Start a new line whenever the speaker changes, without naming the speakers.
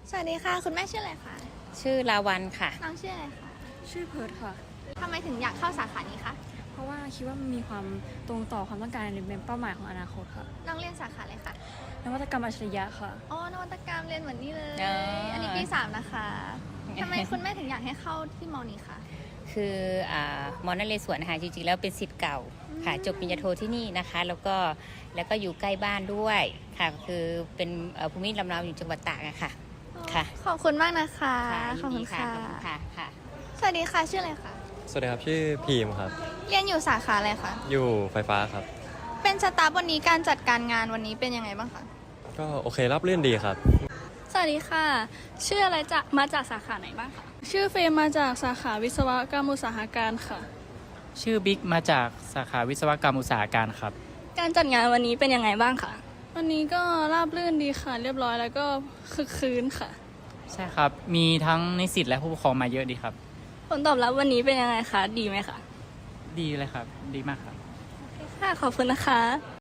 สวัสดีค่ะคุณแม่ชื่ออะไรคะ
ชื่อลาวันค่ะ
น้องชื่ออะไรคะ
ชื่อเพิร์ดค่ะ
ทำไมถึงอยากเข้าสาขานี้คะ
เพราะว่าคิดว่ามันมีความตรงต่อความต้องการในเป็นเป้าหมายของอนาคตค่ะ
น้องเรียนสาขาอะไรคะ
นวัตกรรมอัจฉริยะค่ะ
อ๋อนวัตกรรมเรียนเหมือนนี่เลย
อ๋ออั
อันนี้ปี 3 นะคะทำไมคุณแม่ถึงอยากให้เข้าที่มอนี้คะ
คือมอนเลสวนนะคะจริงๆแล้วเป็นศิษย์เก่าค่ะจบปริญญาโทที่นี่นะคะแล้วก็อยู่ใกล้บ้านด้วยค่ะคือเป็นภูมิลำเนาอยู่จังหวัดตากอะค่ะค่ะ
ขอบคุณมากนะคะ ขอบ
ยิ
คุ
น
ณ
ดี
ค่ะ
ขอบคุณค่ะ
สวัสดีค่ะชื่ออะไรคะ
สวัสดีครับชื่อพีมครับ
เรียนอยู่สาขาอะไรคะ
อยู่ไฟฟ้าครับ
เป็นสตาฟวันนี้การจัดการงานวันนี้เป็นยังไงบ้างคะ
ก็โอเครับเรื่อนดีครับ
สวัสดีค่ะ ชื่ออะไรมาจากสาขาไหนบ้างคะ
ชื่อเฟรมมาจากสาขาวิศวกรรมอุตสาหการค่ะ
ชื่อบิ๊กมาจากสาขาวิศวกรรมอุตสาหการครับ
การจัดงานวันนี้เป็นยังไงบ้างคะ
วันนี้ก็ราบรื่นดีค่ะ เรียบร้อยแล้วก็คึกคืนค่ะ
ใช่ครับ มีทั้งนิสิตและผู้ปกครองมาเยอะดีครับ
ผลตอบรับวันนี้เป็นยังไงคะ ดีไหมคะ
ดีเลยครับ ดีมากครับ
ค่ะ ขอบคุณนะคะ